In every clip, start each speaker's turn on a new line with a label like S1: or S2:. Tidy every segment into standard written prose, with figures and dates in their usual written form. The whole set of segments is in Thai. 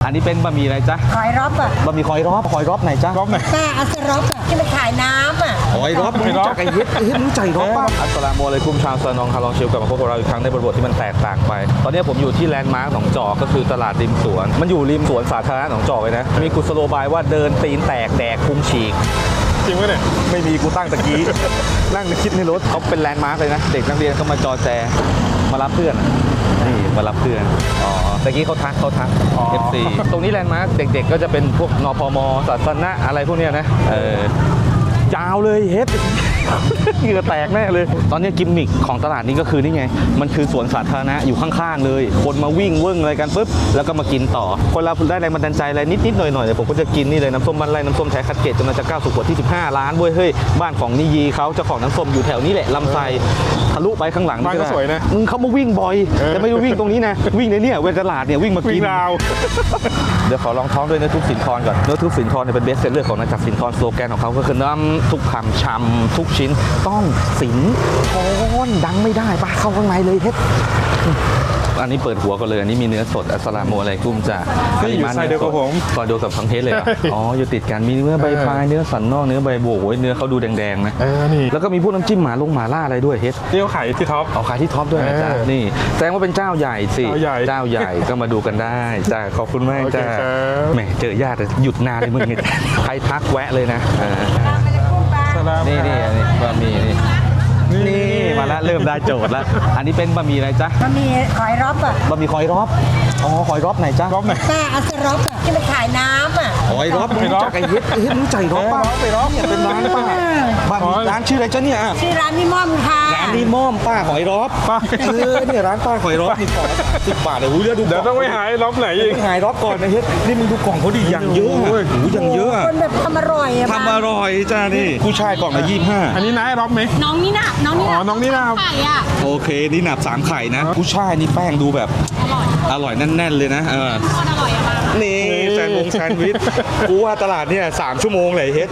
S1: นนี้เป็นบะหมี่อะไรจ๊ะ
S2: คอยรอบอ่ะ
S1: บะหมี่คอยรอบไหนจ๊ะ
S3: รอบไหน
S2: ป้าอัสรอบอ่ะที่มันขายน้ำอ่ะ
S1: คอยรอบรู้จักไอ้เฮ็ดรู้ใจรอบป่ะอัสสลามุอะลัยกุมชาวซานองคาลองชิลกลับมาพบกับเราอีกครั้งในบทที่มันแตกต่างไปตอนนี้ผมอยู่ที่แลนด์มาร์คหนองจอกก็คือตลาดริมสวนมันอยู่ริมสวนสาธารณะหนองจอกเลยนะมีกุศโลบายว่าเดินตีนแตกแดกพุงฉีก
S3: จริงไหมเนี่ย
S1: ไม่มีกูตั้งตะกี้ นั่งคิดในรถเขาเป็นแลนด์มาร์คเลยนะเด็กนักเรียนเขามาจอแจมารับเพื่อนนี่มารับเพื่อนตะกี้เขาทักFC ตรงนี้แลนด์มาร์คเด็กๆก็จะเป็นพวกนพมศาสนะอะไรพวกเนี้ยนะยาวเลยเฮ็ดเหงื่อแตกแน่เลยตอนนี้กิมมิคของตลาดนี้ก็คือนี่ไงมันคือสวนสาธารณะอยู่ข้างๆเลยคนมาวิ่งเวิ้งอะไรกันปุ๊บแล้วก็มากินต่อคนเราได้แรงบันดาลใจอะไรนิดๆหน่อยๆผมก็จะกินนี่เลยน้ำส้มบ้านไร่น้ำส้มใช้คัดเกตจนมันจะก้าวสู่ขวดที่15 ล้านเว้ยเฮ้ยบ้านของนิยีเขาเจ้าของน้ำส้มอยู่แถวนี้แหละลำไส้ทะลุไปข้างหลัง
S3: บ้านก็สวยนะ
S1: เขามาวิ่งบ่อยแต่ไม่ได้วิ่งตรงนี้นะวิ่งในเนี่ยเวทตลาดเนี่ยวิ่งมากินเดี๋ยวขอลองท้องด้วยเนื้อทุบสินทรก่อนเนื้อทุบสินทรเนี่ยเป็นเบสเซลเลอร์ของนายจักรสินทรสโลแกนของเขาก็คือน้ำทุกคำชำทุกชิ้นต้องสินทรดังไม่ได้ปะเข้าข้างในเลยเฮ็ดอันนี้เปิดหัวกันเลยอันนี้มีเนื้อสดอัสสลามุอะลัยกุมจ้ะ
S3: นี่อยู่ไซเดียวกับผม
S1: ซอยเดียวกับทั้งเพชรเลยอ๋ออยู่ติดกันมีเนื้อใบพายเนื้อสันนอกเนื้อใบโบกเนื้อเขาดูแดงๆนะ
S3: นี่
S1: แล้วก็มีพวกน้ำจิ้มหมาล่าอะไรด้วยเฮ็ด
S3: เตี้ยวไข่ที่ท็อป
S1: เอาขายที่ท็อปด้วยนะจ๊ะนี่แสดงว่าเป็นเจ้าใหญ่สิเจ้าใหญ่ก็มาดูกันได้จ้ะขอบคุณมากจ้ะแหมเจอญาติหยุดนานเลยมึงเนี่ยใครทักแวะเลยนะนี่บะหมี่นี่มาแล้วเริ่มได้โจทย์แล้วอันนี้เป็นบะหมี่อะไรจ๊ะ
S2: บะหมี่คอยรอบอ่ะ
S1: บะหมี่คอยรอบคอยรอบไหนจ๊ะ
S3: รอบไหน
S2: ป้าอัสรอบอ่ะที่มันขายน้ำอ่ะ
S1: คอยรอบรู้จักไอ้เฮ็ดรู้ใจรอบป่ะเนี่ยเป็นร้านป้าบ้านร้านชื่ออะไรจ๊ะเนี่ย
S2: ชื่อร้านนิมอมค่ะ
S1: ร้านนิมอมป้าคอยรอบ
S3: ป้า
S1: เนี่ยร้านป้าคอยรอบนี่ขอ10 บาทเลยเ
S3: ดี๋ยวต้องไปหายรอบไหนอีก
S1: หายรอบก่อนนะเฮ็ดนี่มึงดูกล่องเขาดิอย่างเยอะอย่างเยอะ
S2: คนแบบทำอร่อยอ่ะ
S1: ทำอร่อยจ้านี่ผู้ชายกล่องละ25
S3: อันนี้นายรอบไหม
S4: น้องนี่นะน้องนี่นะไข่อ่ะ
S1: โอเคนี่หนับ3 ไข่นะผู้ชายนี่แป้งดูแบบอร่อยแน่นๆเลยนะ
S4: อร่อยมาก
S1: นี่แซนด์วิชกูว่าตลาดเนี่ย3 ชั่วโมงเลยเฮ็ด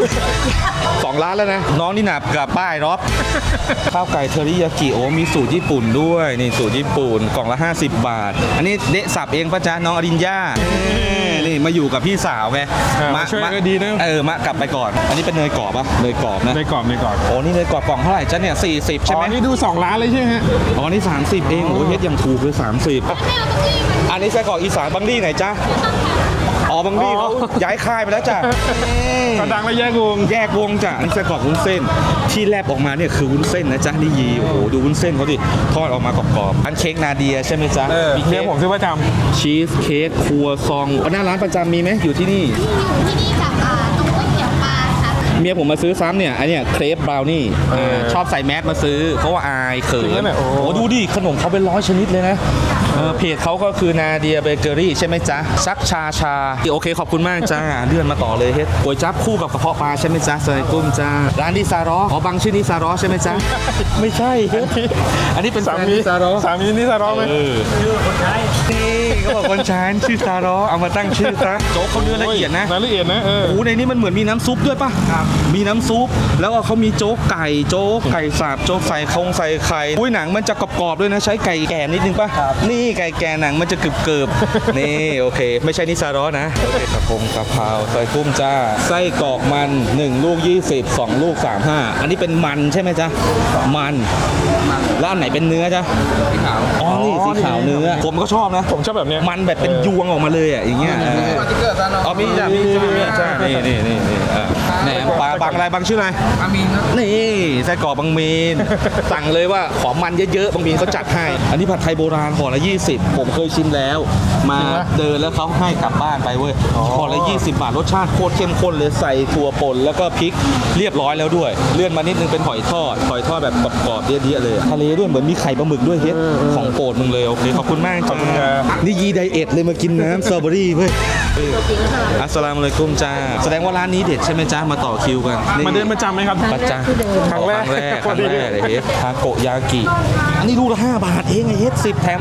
S1: 2 ร้านแล้วนะน้องนี่หนับกับป้ายรอบข้าวไก่เทอริยากิโอมีสูตรญี่ปุ่นด้วยนี่สูตรญี่ปุ่นกล่องละ50 บาทอันนี้เดะสับเองป่ะจ๊ะน้องอรินย่านี่มาอยู่กับพี่สาวไง
S3: มาช่วยก็ดีนะ
S1: มากลับไปก่อนอันนี้เป็นเนยกรอบป่ะเนยกรอบนะ
S3: เนยกรอบ
S1: โอ้นี่เนยกรอบกล่องเท่าไหร่จ๊ะเนี่ย40ใช่ไหม
S3: นี่ดู2 ร้านเลยใช่ไหมฮะ
S1: อ๋อนี่30เองโอ้ยเฮ็ดยังถูกเลย30อันนี้ไส้กรอกอีสานบังลี่ไหนจ๊ะบางทีเขาย้ายค่ายไปแล้วจ้ะ
S3: กระดังแล้วแยก
S1: วงจ้ะนี่ไส้กรอกวุ้นเส้นที่แลบออกมาเนี่ยคือวุ้นเส้นนะจ๊ะนี่ยีโอ้โหดูวุ้นเส้นเขาดิทอดออกมากรอบๆอันเค้กนาเดียใช่ไหมจ๊ะ
S3: มีเค้กผมซื้อประจ
S1: ำชีสเค้กครัวซองหน้าร้านประจำมีไหมอยู่ที่นี่
S4: กับตรงก๋วยเตี๋ยวปลาค่ะ
S1: เมียผมมาซื้อซ้ำเนี่ยอันเนี้ยเครปบราวนี่ชอบใส่แมสมาซื้อเพราะว่าอายเขินโอ้ดูดิขนมเขาเป็น100 ชนิดเลยนะเพจเขาก็คือนาเดียเบเกอรี่ใช่ไหมจ๊ะซักชาโอเคขอบคุณมากจ้าเลื่อนมาต่อเลยเฮ็ดก๋วยจั๊บคู่กับกระเพาะปลาใช่ไหมจ๊ะใส่กุ้งจ้าร้านนิซารอบางชื่อนิซารอใช่ไหมจ๊ะไม่ใช่เฮ็ดอันนี้เป็น
S3: สามีนิซารอไหม
S1: นี่เขาบอกคนใช้ชื่อซารอเอามาตั้งชื่อซะโจ๊กเขาเนื้อละเอียดนะโอ้ในนี้มันเหมือนมีน้ำซุปด้วยป่ะมีน้ำซุปแล้วเขามีโจ๊กไก่สับโจ๊กใส่ไข่อุ้ยหนังมันจะกรอบๆด้วยนะใช้ไก่แก่นิดนึงป่ะนี่ไก่แก่หนังมันจะเกิบนี่โอเคไม่ใช่นิซารอนะโอเคกระเพราใส่กุ้งจ้าไส้กรอกมัน1 ลูก20 2 ลูก35อันนี้เป็นมันใช่ไหมจ๊ะมันแล้วอันไหนเป็นเนื้อจ๊ะสีขาวนี่สีขาวเนื้อผมก็ชอบนะ
S3: ผมชอบแบบนี้
S1: มันแบบเป็นยวงออกมาเลยอ่ะอย่างเงี้ยมีจ้ะนี่แหนมปลาบางอะไรบางชื่ออะไรบางมีนนี่ไส้กรอกบางมีนสั่งเลยว่าขอมันเยอะๆบางมีนเขาจัดให้อันนี้ผัดไทยโบราณห่อละ20ผมเคยชิมแล้วมาเดินแล้วเขาให้กลับบ้านไปเว้ยห่อละ20 บาทรสชาติโคตรเข้มข้นเลยใส่ถั่วป่นแล้วก็พริกเรียบร้อยแล้วด้วยเลื่อนมานิดนึงเป็นหอยทอดแบบกรอบๆเดี้ยๆเลยทะเลด้วยเหมือนมีไข่ปลาหมึกด้วยเฮ็ดของโปรดมึงเลยโอเคขอบคุณมากจ้านี่ยีไดเอทเลยมากินน้ำสตรอเบอรี่เว้ยอัสสลามุอะลัยกุมจ้าแสดงว่าร้านนี้เด็ดใช่ไหมจ้ามาต่อคิวกัน
S3: มาเดินประจำไหมครับ
S1: ประจำ
S3: ครั้งแรก
S1: เลยเฮ็ดทาโกยากิอันนี้ลูกละ5 บาทเองไอ้เฮ็ด10 แถม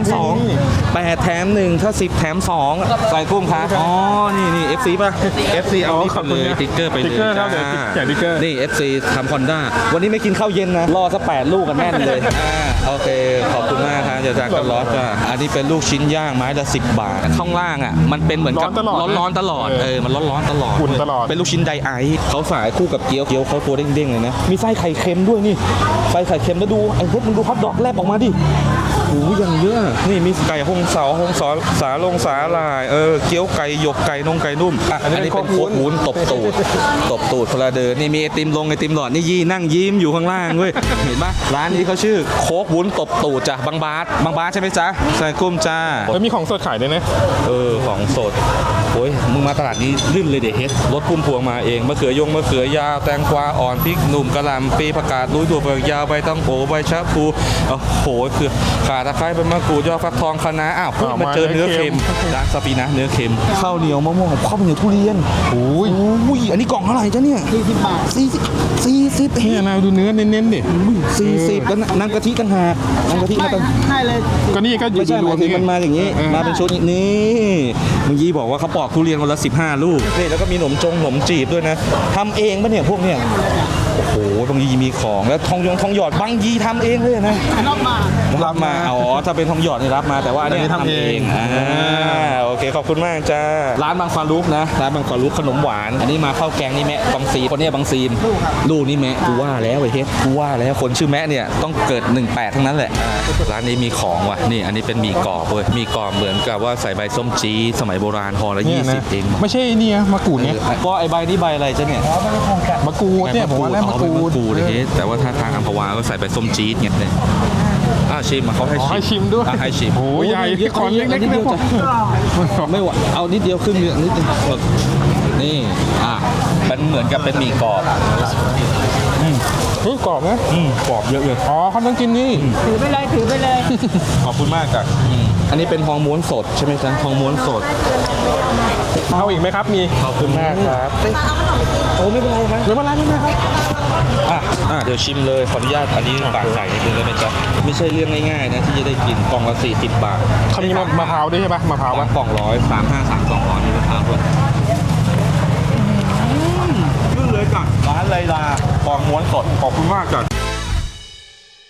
S1: 2 8 แถม 1ถ้า10 แถม 2ใส่กุ้งครับอ๋อนี่ FC ป่ะ FC เอานี่ไปเลยติ๊กเกอร์ไปเลยจ้านี่ FC ทำคอนด้าวันนี้ไม่กินข้าวเย็นนะรอสัก8 ลูกกันแน่นเลยโอเคขอบคุณมากครับจากกันรอสจ้าอันนี้เป็นลูกชิ้นย่างไม้ละ10 บาทข้างล่างอ่ะมันเป็นเหมือนกับร้อนๆตลอดมันร้อนๆตลอด
S3: อุ่นตลอด
S1: เป็นลูกชิ้นไดไอซ์เขาสายคู่กับเกี๊ยวเขาตัวเด้งๆเลยนะมีไส้ไข่เค็มด้วยนี่ไส้ไข่เค็มแล้วดูไอ้พวกมึงดูฮอทดอกแลบออกมาดิโอ้ยอย่างเยอะนี่มีไก่ฮงเสาฮงสอสาลงสาลายเกี๊ยวไก่หยกไก่นงไก่นุ่มอันนี้เป็นโคกวุ้นตบตูดพลาเดินนี่มีไอติมลงไอติมหลอดนี่นั่งยิ้มอยู่ข้างล่างเว้ยเห็นปะร้านนี้เขาชื่อโคกวุ้นตบตูดจ้ะบางบาสใช่ไหมจ๊ะใส่กุ้มจ้า
S3: แล้วมีของสดขายด้วยนะ
S1: ของสดโอ้ยมึงมาตลาดนี้ลื่นเลยเด็กเฮ็ดรถพุ่มพวงมาเองมะเขือยาวแตงกวาอ่อนพริกหนุ่มกระหล่ำปีผักกาดลุยถั่วเปลือกยาวใบตังโกใบชะพูโอ้โหคือข่าตะไคร้ใบมะกรูดยอดฟักทองคะน้ามาเจอเนื้อเค็มร้านสปีนะเนื้อเค็มข้าวเหนียวมะม่วงข้าวเหนียวทุเรียนโอ้ยอันนี้กล่องเท่าไหร่จ๊ะเนี่ย40 บาท40เอง
S3: เนี่ยนายดูเนื้อเน้นๆดิ
S1: 40แล้วน้ำกะทิต่างหากน้ำกะทิมาต่าง
S3: ก็นี่ก็อยู่
S1: ไม่ใช่
S3: ร
S1: ห
S3: ว
S1: มาม ยถึง
S3: นี่
S1: มันมาอย่างนี้ มาเป็นชุดนี่เมื่อกี้บอกว่าเขาปอกทุเรียนวันละ15 ลูกนี่แล้วก็มีขนมจีบด้วยนะทำเองปะเนี่ยพวกเนี่ยโอ้โหบางยีมีของแล้วทองหยอดบางยีทำเองเลยนะรับมาถ้าเป็นทองหยอดนี่รับมาแต่ว่าอันนี้ทำเองโอเคขอบคุณมากจ้าร้านบางฟารุกนะร้านบางฟารุกขนมหวานอันนี้มาข้าวแกงนี่แมะบางซีคนนี้บางซีมลูกนี่แมะกูว่าแล้วไอ้เฮ็ดกูว่าแล้วคนชื่อแมะเนี่ยต้องเกิด18ทั้งนั้นแหละร้านนี้มีของว่ะนี่อันนี้เป็นหมี่กรอบเว้ยหมี่กรอบเหมือนกับว่าใส่ใบส้มจี๊ดสมัยโบราณห่อละ
S3: เนี่ยนะ
S1: 20เอง
S3: ไม่ใช่นี่นะมะกรูดเนี่ย
S1: ก็ไอใบนี่ใบอะไรจ๊ะเนี่ย
S3: มะกรูดเนี่ยผมว่าแล้วมะกรูด
S1: เฮ้แต่ว่าถ้าทางอัมพวาก็ใส่ใบส้มจี๊ดเงี้ยเลยชิมเขาให้
S3: ให้ชิมด้วย
S1: ให้ชิม
S3: โอ้ยใหญ่ที่คอนเล็ก
S1: นิด
S3: ๆ
S1: เดี
S3: เนี่ย ยว
S1: จ้ะไม่ไหวเอานิดเดียวขึ้นนิดนึงนี่มันเหมือนกับเป็นหมี่กรอบ
S3: เฮ้ยกรอบนะ
S1: กรอบเยอะเลย
S3: อ๋อเขาต้องกินนี่
S2: ถือไปเลย
S1: ขอบคุณมากจ้ะอันนี้เป็นทองม้วนสดใช่ไหมจ๊ะทองม้วนสด
S3: เอาอีกไหมครับมี
S1: ขอบคุณมากครับโอ้ไม่เป็นไรครับ
S3: ไม่เป็นไรไม่เป็นไรครับ
S1: เดี๋ยวชิมเลยขออนุญาตอันนี้ฝากใส่นิดนึงได้ไหมจ๊ะไม่ใช่เรื่องง่ายๆนะที่จะได้กินกล่องละ40 บาท
S3: เขามีมะพร้าวด้วยใช่ปะมะพร้าว
S1: วะ
S3: ปะ
S1: กล่อง100 353 200มีมะพร้าวด้วยขึ้นเลยจ้ะร้านไรลาฟองม้วนสดขอบคุณมากจ้ะ